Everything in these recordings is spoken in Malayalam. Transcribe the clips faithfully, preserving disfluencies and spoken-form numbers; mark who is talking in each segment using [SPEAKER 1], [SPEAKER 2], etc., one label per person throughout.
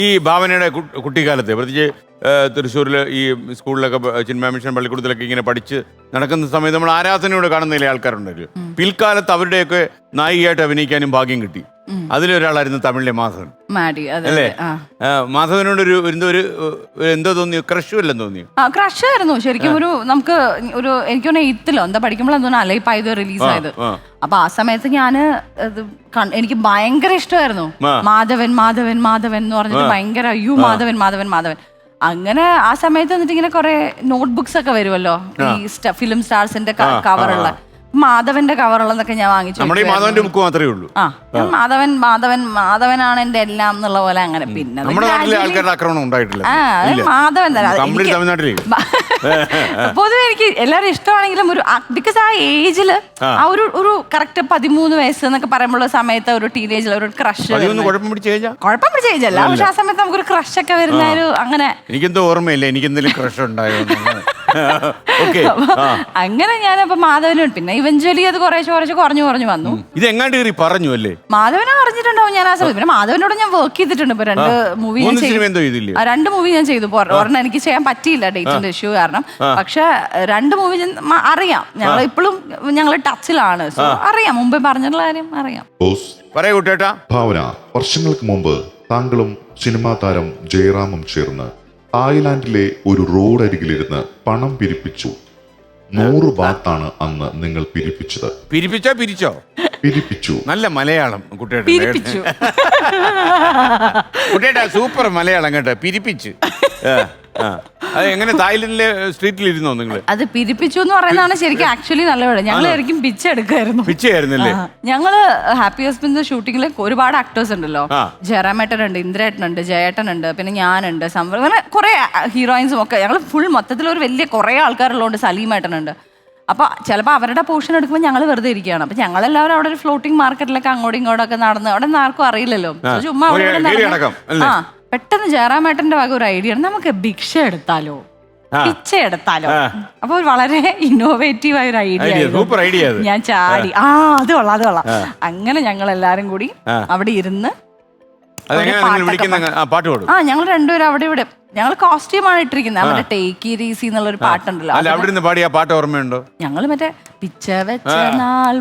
[SPEAKER 1] ഈ ഭാവനയുടെ കുട്ടിക്കാലത്തെ പ്രത്യേകിച്ച് തൃശ്ശൂരിൽ ഈ സ്കൂളിലൊക്കെ ചിന്മയ മിഷൻ പള്ളിക്കൂടത്തിലൊക്കെ ഇങ്ങനെ പഠിച്ച് നടക്കുന്ന സമയത്ത് നമ്മൾ ആരാധനയോട് കാണുന്നതിലെ ആൾക്കാരുണ്ടല്ലോ. പിൽക്കാലത്ത് അവരുടെയൊക്കെ നായികയായിട്ട് അഭിനയിക്കാനും ഭാഗ്യം കിട്ടി. അതിലൊരാളായിരുന്നു തമിഴിലെ മാധവൻ അല്ലേ? മാധവനോട് ഒരു എന്തോ ഒരു എന്തോ തോന്നിയോ, ക്രഷ് വല്ലതും തോന്നിയോ?
[SPEAKER 2] ക്രഷ് ആയിരുന്നു ശരിക്കും. ഒരു നമുക്ക് ഒരു എനിക്ക് തോന്നുന്നു എയ്ത്തിലോ എന്താ പഠിക്കുമ്പോഴെന്ന് അലൈപ്പായത് റിലീസായത്. അപ്പൊ ആ സമയത്ത് ഞാന് എനിക്ക് ഭയങ്കര ഇഷ്ടമായിരുന്നു മാധവൻ മാധവൻ മാധവൻ എന്ന് പറഞ്ഞിട്ട് ഭയങ്കര അയ്യോ മാധവൻ മാധവൻ മാധവൻ. അങ്ങനെ ആ സമയത്ത് എന്നിട്ട് ഇങ്ങനെ കുറെ നോട്ട്ബുക്സ് ഒക്കെ വരുമല്ലോ ഈ ഫിലിം സ്റ്റാർസിന്റെ കവറുള്ള മാധവന്റെ കവറുള്ളതൊക്കെ ഞാൻ വാങ്ങിച്ചു.
[SPEAKER 1] മാധവന്റെ ബുക്ക് മാത്രമേ ഉള്ളൂ.
[SPEAKER 2] ആ മാധവൻ മാധവൻ മാധവനാണ് എന്റെ എല്ലാം എന്നുള്ള പോലെ. അങ്ങനെ പിന്നെ മാധവൻ പൊതുവെ എനിക്ക് എല്ലാവരും ഇഷ്ടമാണെങ്കിലും ഒരു ബിക്കോസ് ആ ഏജില് ആ ഒരു ഒരു കറക്റ്റ് പതിമൂന്ന് വയസ്സ് എന്നൊക്കെ പറയുമ്പോൾ സമയത്ത് ഒരു ടീനേജിൽ ഒരു ക്രഷ് കുഴപ്പം പിടിച്ച ഏജല്ല. പക്ഷെ ആ സമയത്ത് നമുക്കൊരു ക്രഷ് ഒക്കെ വരുന്ന ഒരു അങ്ങനെ
[SPEAKER 1] എനിക്കെന്തോ ഓർമ്മയില്ല എനിക്ക് എന്തെങ്കിലും ക്രഷ് ഉണ്ടായോ.
[SPEAKER 2] അങ്ങനെ ഞാനപ്പോ മാധവനോട് പിന്നെ ഇവഞ്ച്വലി അത് കുറേശ്ശെ കുറച്ച് കുറഞ്ഞു കുറഞ്ഞു വന്നു.
[SPEAKER 1] ഇത് എങ്ങാണ്ട് കയറി പറഞ്ഞു അല്ലേ?
[SPEAKER 2] മാധവനെ അറിഞ്ഞിട്ടുണ്ടാവും ഞാൻ ആ സമയത്ത്. പിന്നെ മാധവനോട് ഞാൻ വർക്ക് ചെയ്തിട്ടുണ്ട്. ഇപ്പൊ രണ്ട് മൂവി രണ്ട് മൂവി ഞാൻ ചെയ്തു. ഒരെണ്ണം എനിക്ക് ചെയ്യാൻ പറ്റിയില്ല ഡേറ്റിന്റെ ഇഷ്യൂ കാരണം. പക്ഷെ രണ്ട് മൂവി അറിയാം. ഞങ്ങൾ ഇപ്പോഴും ഞങ്ങൾ ടച്ചിലാണ്. സോ അറിയാം, മുമ്പേ പറഞ്ഞിട്ടുള്ള കാര്യം അറിയാം.
[SPEAKER 3] ഭാവന, വർഷങ്ങൾക്ക് മുമ്പ് താങ്കളും സിനിമാ താരം ജയറാമും ചേർന്ന് തായ്ലാന്റിലെ ഒരു റോഡ് അരികിലിരുന്ന് പണം പിരിപ്പിച്ചു. നൂറ് ബാത്താണ് അന്ന് നിങ്ങൾ പിരിപ്പിച്ചത്.
[SPEAKER 1] പിരിപ്പിച്ചോ പിരിച്ചോ
[SPEAKER 3] പിരിപ്പിച്ചു.
[SPEAKER 1] നല്ല മലയാളം കുട്ടിയുടെ കുട്ടിയുടെ സൂപ്പർ മലയാളം കേട്ടോ. പിരിപ്പിച്ചു. അത് എങ്ങനെ തായ്ലൻഡിലെ സ്ട്രീറ്റിൽ ഇരുന്നോ നിങ്ങൾ?
[SPEAKER 2] അത് പിരിപ്പിച്ചു എന്ന് പറയുന്നതാണ് ശരിക്കും ആക്ച്വലി നല്ല വേണം. ഞങ്ങൾ ശരിക്കും പിച്ച എടുക്കുമായിരുന്നു.
[SPEAKER 1] പിച്ചയായിരുന്നല്ലേ?
[SPEAKER 2] ഞങ്ങള് ഹാപ്പി ഹസ്ബൻഡ് ഷൂട്ടിങ്ങിൽ ഒരുപാട് ആക്ടേഴ്സ് ഉണ്ടല്ലോ. ജയറാമേട്ടനുണ്ട്, ഇന്ദ്രേട്ടനുണ്ട്, ജയേട്ടനുണ്ട്, പിന്നെ ഞാനുണ്ട്, അങ്ങനെ കുറെ ഹീറോയിൻസും ഒക്കെ. ഞങ്ങൾ ഫുൾ മൊത്തത്തിൽ ഒരു വലിയ കുറെ ആൾക്കാരുള്ളതുകൊണ്ട് സലീമേട്ടനുണ്ട്. അപ്പൊ ചിലപ്പോൾ അവരുടെ പോർഷൻ എടുക്കുമ്പോൾ ഞങ്ങൾ വെറുതെ ഇരിക്കുകയാണ്. അപ്പൊ ഞങ്ങളെല്ലാവരും അവിടെ ഒരു ഫ്ലോട്ടിംഗ് മാർക്കറ്റിലൊക്കെ അങ്ങോട്ടും ഇങ്ങോട്ടും ഒക്കെ നടന്ന് അവിടെ നിന്ന് ആർക്കും അറിയില്ലല്ലോ. ചുമ്മാ ആ പെട്ടെന്ന് ജയറാമേട്ടന്റെ വക ഒരു ഐഡിയ ആണ്, നമുക്ക് ഭിക്ഷ എടുത്താലോ, പിച്ച എടുത്താലോ. അപ്പൊ വളരെ ഇന്നോവേറ്റീവ് ആയ ഒരു ഐഡിയ. ഞാൻ ചാടി ആ അത് കൊള്ളാം അത് കൊള്ളാം. അങ്ങനെ ഞങ്ങൾ എല്ലാരും കൂടി അവിടെ ഇരുന്ന് ആ ഞങ്ങൾ രണ്ടുപേരും അവിടെ ഇവിടെ ഞങ്ങൾ കോസ്റ്റ്യൂമാണ് ഇട്ടിരിക്കുന്നത്. അവരുടെ ടേക്ക് ഇറ്റ് ഈസി എന്നുള്ള ഒരു പാട്ടുണ്ടല്ലോ.
[SPEAKER 1] അവിടെ പാടിയ പാട്ട് ഓർമ്മയുണ്ടോ?
[SPEAKER 2] ഞങ്ങൾ മറ്റേ പിച്ച വെച്ച നാൾ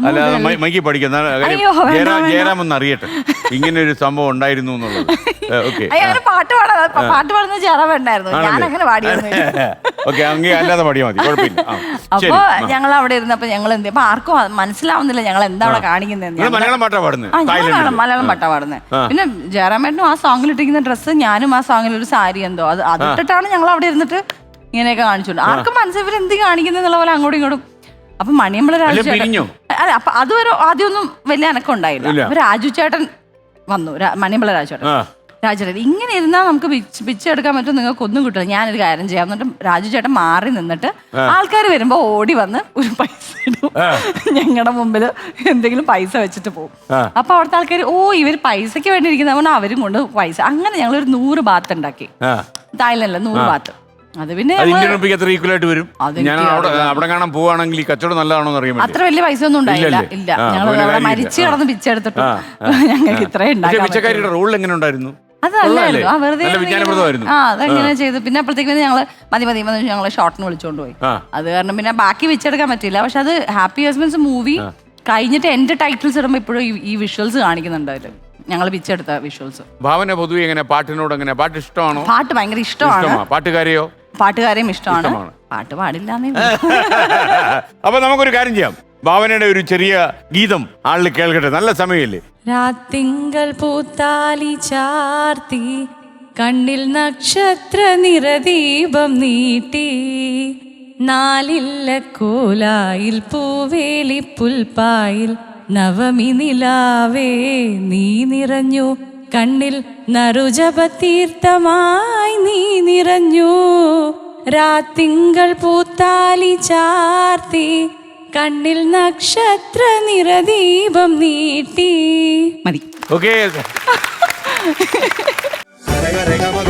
[SPEAKER 1] ജയറാമെന്ന് അറിയട്ടെ ഇങ്ങനെ ഒരു സംഭവം ഉണ്ടായിരുന്നു എന്നുള്ളത്.
[SPEAKER 2] പാട്ട് പാടാ പാട്ട് പാടുന്നത് ജയറാമുണ്ടായിരുന്നു. ഞാൻ അങ്ങനെ പാടിയിരുന്നു.
[SPEAKER 1] അല്ലാതെ പാടിയാൽ മതി, കുഴപ്പമില്ല.
[SPEAKER 2] അപ്പൊ ഞങ്ങൾ അവിടെ ഇരുന്നപ്പോ ഞങ്ങൾ എന്ത് അപ്പൊ ആർക്കും മനസ്സിലാവുന്നില്ല ഞങ്ങൾ എന്താ അവിടെ കാണിക്കുന്നത്.
[SPEAKER 1] മലയാളം പാട്ടാ പാടുന്നത്.
[SPEAKER 2] മലയാളം പാട്ടാ പാടുന്നത്. പിന്നെ ജയറാമേട്ടനും ആ സോങ്ങിൽ ഇട്ടിരിക്കുന്ന ഡ്രസ്സ്, ഞാനും ആ സോങ്ങിൽ ഒരു സാരി എന്തോ അത് അതിട്ടിട്ടാണ് ഞങ്ങൾ അവിടെ ഇരുന്നിട്ട് ഇങ്ങനെയൊക്കെ കാണിച്ചോണ്ട് ആർക്കും മനസ്സിൽ എന്ത് കാണിക്കുന്ന പോലെ അങ്ങോട്ടും ഇങ്ങോട്ടും. അപ്പൊ മണിയമ്പള രാജു ചേട്ടൻ അല്ല അപ്പൊ അതുവരെ ആദ്യമൊന്നും വലിയ അനക്കം ഉണ്ടായില്ല. അപ്പൊ രാജു ചേട്ടൻ വന്നു, മണിയമ്പള രാജു ചേട്ടൻ രാജു ചേട്ടൻ ഇങ്ങനെ ഇരുന്നാൽ നമുക്ക് പിച്ചെടുക്കാൻ പറ്റും, നിങ്ങൾക്ക് ഒന്നും കിട്ടില്ല, ഞാനൊരു കാര്യം ചെയ്യാം. എന്നിട്ട് രാജു ചേട്ടൻ മാറി നിന്നിട്ട് ആൾക്കാർ വരുമ്പോ ഓടി വന്ന് ഒരു പൈസ ഇടും ഞങ്ങളുടെ മുമ്പിൽ, എന്തെങ്കിലും പൈസ വെച്ചിട്ട് പോകും. അപ്പൊ അവിടുത്തെ ആൾക്കാർ ഓ ഇവർ പൈസക്ക് വേണ്ടി ഇരിക്കുന്ന അവരും കൊണ്ട് പൈസ. അങ്ങനെ ഞങ്ങളൊരു നൂറ് ബാത്ത് ഉണ്ടാക്കി തായ്ലൻഡില്, നൂറ് ബാത്ത്. അത് പിന്നെ അത്ര വലിയ പൈസ ഒന്നും ഉണ്ടായില്ല. ഇല്ല, ഞങ്ങൾ മരിച്ചു കിടന്ന് പിച്ചെടുത്തിട്ട് ഞങ്ങൾക്ക് ഇത്രയും ഉണ്ടായിരുന്നു. അതല്ലായിരുന്നു ആ വെറുതെ ആ അതങ്ങനെ ചെയ്തു. പിന്നെ അപ്പോഴത്തേക്ക് ഞങ്ങള് മതി മതി മതി ഞങ്ങള് ഷോർട്ടിന് വിളിച്ചോണ്ട് പോയി. അത് കാരണം പിന്നെ ബാക്കി വെച്ചെടുക്കാൻ പറ്റില്ല. പക്ഷെ അത് ഹാപ്പി ഹസ്ബൻഡ്സ് മൂവി കഴിഞ്ഞിട്ട് എന്റെ ടൈറ്റിൽസ് ഇടുമ്പോ ഇപ്പോഴും ഈ വിഷ്വൽസ് കാണിക്കുന്നുണ്ട് അതില്, ഞങ്ങൾ പിച്ചെടുത്ത വിഷ്വൽസ്.
[SPEAKER 1] ഭാവന പൊതുവെ എങ്ങനെ പാട്ടിനോട് എങ്ങനെ പാട്ട് ഇഷ്ടമാണോ?
[SPEAKER 2] പാട്ട് ഭയങ്കര ഇഷ്ടമാണ്.
[SPEAKER 1] പാട്ടുകാരെയോ?
[SPEAKER 2] പാട്ടുകാരെയും ഇഷ്ടമാണ്. പാട്ട് പാടില്ല.
[SPEAKER 1] അപ്പൊ നമുക്കൊരു കാര്യം ചെയ്യാം, ഭാവനയുടെ ഒരു ചെറിയ ഗീതം ആളിൽ കേൾക്കട്ടെ. നല്ല സമയമില്ലേ?
[SPEAKER 4] രാത്തിങ്കൾ പൂത്താലി ചാർത്തി കണ്ണിൽ നക്ഷത്ര നിറദീപം നീട്ടി നാലില്ല കോലായിൽ പൂവേലി പുൽപ്പായിൽ നവമി നിലാവേ നീ നിറഞ്ഞു കണ്ണിൽ നറുജപതീർത്ഥമായി നീ നിറഞ്ഞു രാത്തിങ്കൾ പൂത്താലി ചാർത്തി കണ്ണിൽ നക്ഷത്ര നിറദീപം നീട്ടി.
[SPEAKER 2] മതി.
[SPEAKER 1] ഓക്കേ.